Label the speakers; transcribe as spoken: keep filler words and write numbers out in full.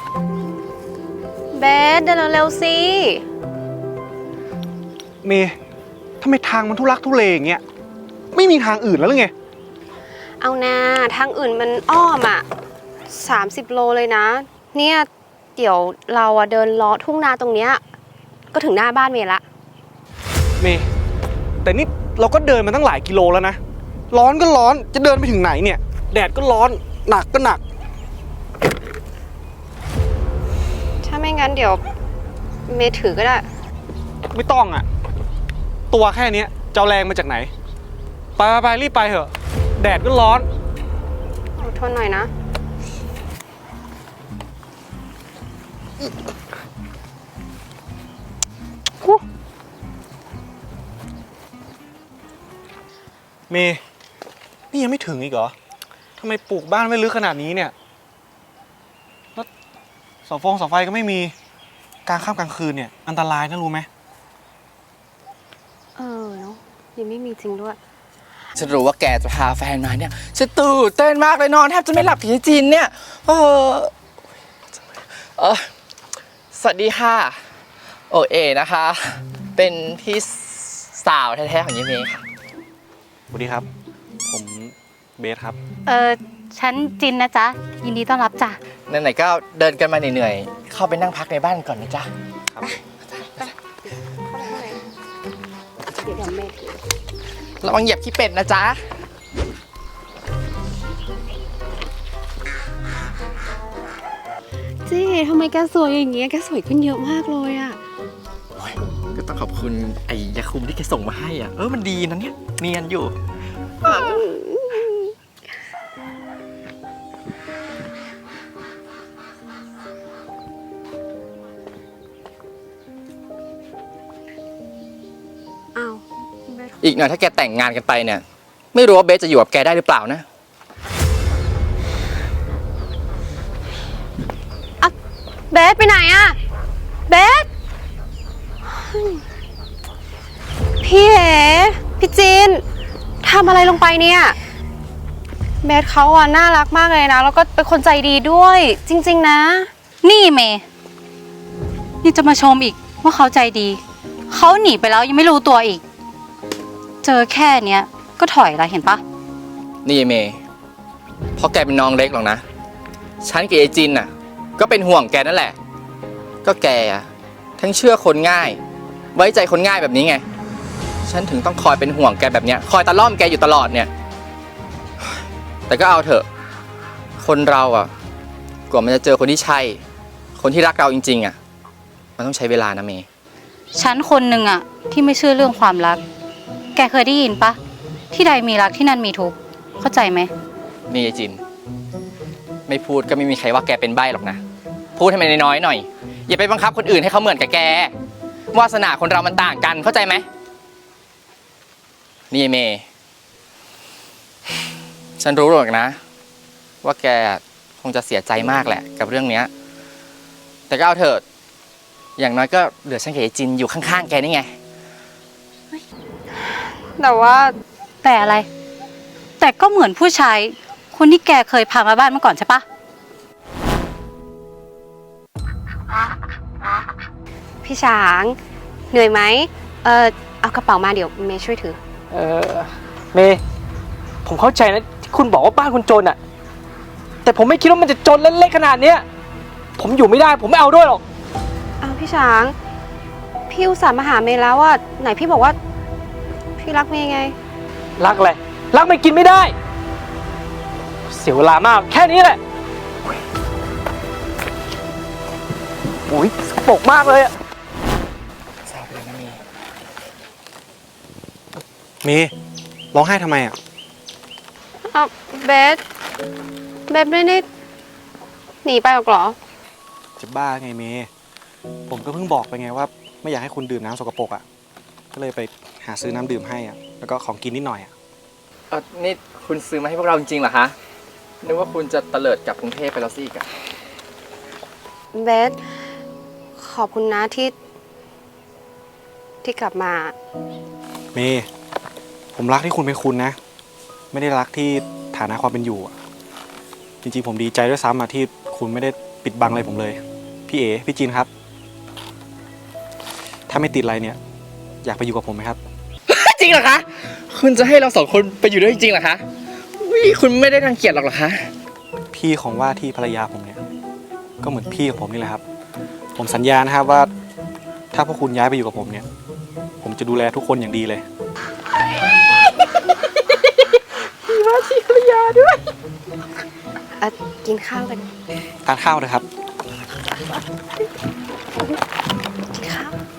Speaker 1: เบสเดินเร็วๆสิ
Speaker 2: เมย์ทำไมทางมันทุลักทุเลอย่างเงี้ยไม่มีทางอื่นแล้วหรือไง
Speaker 1: เอานาทางอื่นมันอ้อมอ่ะสามสิบโลเลยนะเนี่ยเดี๋ยวเราอะเดินเลาะทุ่งนาตรงเนี้ยก็ถึงหน้าบ้านเมย์ละ
Speaker 2: เมย์แต่นี่เราก็เดินมาตั้งหลายกิโลแล้วนะร้อนก็ร้อนจะเดินไปถึงไหนเนี่ยแดดก็ร้อนหนักก็หนัก
Speaker 1: ถ้าไม่งั้นเดี๋ยวเมย์ถือก็ได้
Speaker 2: ไม่ต้องอ่ะตัวแค่นี้จะเอาแรงมาจากไหนไปไปรีบไปเถอะแดดก็ร้อน
Speaker 1: อดทนหน่อยนะ
Speaker 2: เมย์นี่ยังไม่ถึงอีกเหรอทำไมปลูกบ้านไม่ลึกขนาดนี้เนี่ยแล้วเสาฟงเสาไฟก็ไม่มีกลางค่ำกลางคืนเนี่ยอันตรายนะรู้ไหม
Speaker 1: เออเนาะยังไม่มีจริงด้วย
Speaker 3: ฉันรู้ว่าแกจะพาแฟนมาเนี่ยฉันตื่นเต้นมากเลยนอนแทบจะไม่หลับถึงจีนเนี่ยเออเออสวัสดีค่ะโอเอนะคะเป็นพี่สาวแท้ๆของยิเมย์ค่ะ
Speaker 2: สวัสดีครับผมเบสครับ
Speaker 4: เออฉันจินนะจ๊ะยินดีต้อนรับจ้ะ
Speaker 3: ไหนๆก็เดินกันมาเหนื่อยๆเข้าไปนั่งพักในบ้านก่อนนะจ๊ะ
Speaker 2: ครับ
Speaker 1: เดี๋ยวเดี๋ยวเมย์ถือ
Speaker 3: ระวังเหยียบขี้เป็ดนะจ๊ะ
Speaker 1: จี้ทำไมแกสวยอย่างเงี้ยแกสวยขึ้นเยอะมากเลยอ่ะ
Speaker 3: ก็ต้องขอบคุณไอ้ยาคุมที่แกส่งมาให้อ่ะเออมันดีนะเนี่ยเนียนอยู่
Speaker 1: อ้าว
Speaker 3: อีกหน่อยถ้าแกแต่งงานกันไปเนี่ยไม่รู้ว่าเบสจะอยู่กับแกได้หรือเปล่านะ
Speaker 1: อะเบสไปไหนอะเบสพี่เอ๋พี่จีนทำอะไรลงไปเนี่ยเบสเขาอะน่ารักมากเลยนะแล้วก็เป็นคนใจดีด้วยจริงๆนะ
Speaker 4: นี่เมย์นี่จะมาชมอีกว่าเขาใจดีเขาหนีไปแล้วยังไม่รู้ตัวอีกเจอแค่เนี้ยก็ถอยละเห็นปะ
Speaker 3: นี่เมย์เพราะแกเป็นน้องเล็กหรอกนะฉันกับไอจินน่ะก็เป็นห่วงแกนั่นแหละก็แกอะทั้งเชื่อคนง่ายไว้ใจคนง่ายแบบนี้ไงฉันถึงต้องคอยเป็นห่วงแกแบบเนี้ยคอยตะล่อมแกอยู่ตลอดเนี่ยแต่ก็เอาเถอะคนเราอ่ะกว่ามันจะเจอคนที่ใช่คนที่รักเราจริงๆอ่ะมันต้องใช้เวลานะเมย์
Speaker 4: ฉันคนหนึ่งอะที่ไม่เชื่อเรื่องความรักแกเคยได้ยินปะที่ใดมีรักที่นั่นมีทุกข์เข้าใจไหม
Speaker 3: นี่ไอจินไม่พูดก็ไม่มีใครว่าแกเป็นใบ้หรอกนะพูดให้มันน้อยๆหน่อยอย่าไปบังคับคนอื่นให้เขาเหมือนกับแกวาสนาคนเรามันต่างกันเข้าใจไหมนี่เมย์ฉันรู้หรอกนะว่าแกคงจะเสียใจมากแหละกับเรื่องเนี้ยแต่ก็เอาเถอะอย่างน้อยก็เหลือฉันกับไอจินอยู่ข้างๆแกนี่ไง
Speaker 1: แต่ว่า
Speaker 4: แต่อะไรแต่ก็เหมือนผู้ชายคนที่แกเคยพามาบ้านเมื่อก่อนใช่ปะ
Speaker 1: พี่ช้างเหนื่อยไหมเออเอากระเป๋ามาเดี๋ยวเมย์ช่วยถือ
Speaker 5: เออเมย์ผมเข้าใจนะที่คุณบอกว่าบ้านคุณจนอะแต่ผมไม่คิดว่ามันจะจนเล็กๆขนาดเนี้ยผมอยู่ไม่ได้ผมไม่เอาด้วยหรอก
Speaker 1: เอาพี่ช้างพี่อุตส่าห์มาหาเมย์แล้วว่าไหนพี่บอกว่าพี่รักเมย์ไง
Speaker 5: รักอะไรรักไม่กินไม่ได้เสียเวลามากแค่นี้แหละโอ้ยสกปรกมากเลยอะ
Speaker 3: แซวไปเลยนะเมย์
Speaker 2: เมย์ร้องไห้ทำไมอ่ะ
Speaker 1: เอาเบสเบสไม่ได้หนีไปหรอกเหรอ
Speaker 2: จะบ้าไงเมย์ผมก็เพิ่งบอกไปไงว่าไม่อยากให้คุณดื่มน้ำสกปรกอ่ะก็เลยไปหาซื้อน้ำดื่มให้อ่ะแล้วก็ของกินนิดหน่อยอ่ะ
Speaker 3: เออนี่คุณซื้อมาให้พวกเราจริงๆเหรอคะนึกว่าคุณจะเตลิดกลับกรุงเทพไปแล้วสิอีกอะ
Speaker 1: เบสขอบคุณนะที่ที่กลับมา
Speaker 2: เมย์ผมรักที่คุณเป็นคุณนะไม่ได้รักที่ฐานะความเป็นอยู่อ่ะจริงๆผมดีใจด้วยซ้ำอ่ะที่คุณไม่ได้ปิดบังอะไรผมเลย พี่เอ๋พี่จีนครับ ถ้าไม่ติดอะไรเนี่ย อยากไปอยู่กับผมไหมครับ
Speaker 3: จริงเหรอคะ คุณจะให้เราสองคนไปอยู่ด้วยจริงๆเหรอคะวิคุณไม่ได้รังเกียจหรอกเหรอคะ
Speaker 2: พี่ของว่าที่ภรรยาผมเนี่ย ก็เหมือนพี่ของผมนี่แหละครับ ผมสัญญานะครับว่า ถ้าพวกคุณย้ายไปอยู่กับผมเนี่ย ผมจะดูแลทุกคนอย่างดีเลย
Speaker 1: เอ่อกินข้าวกัน
Speaker 2: ทานข้าวเลยครับ
Speaker 1: กินข้าว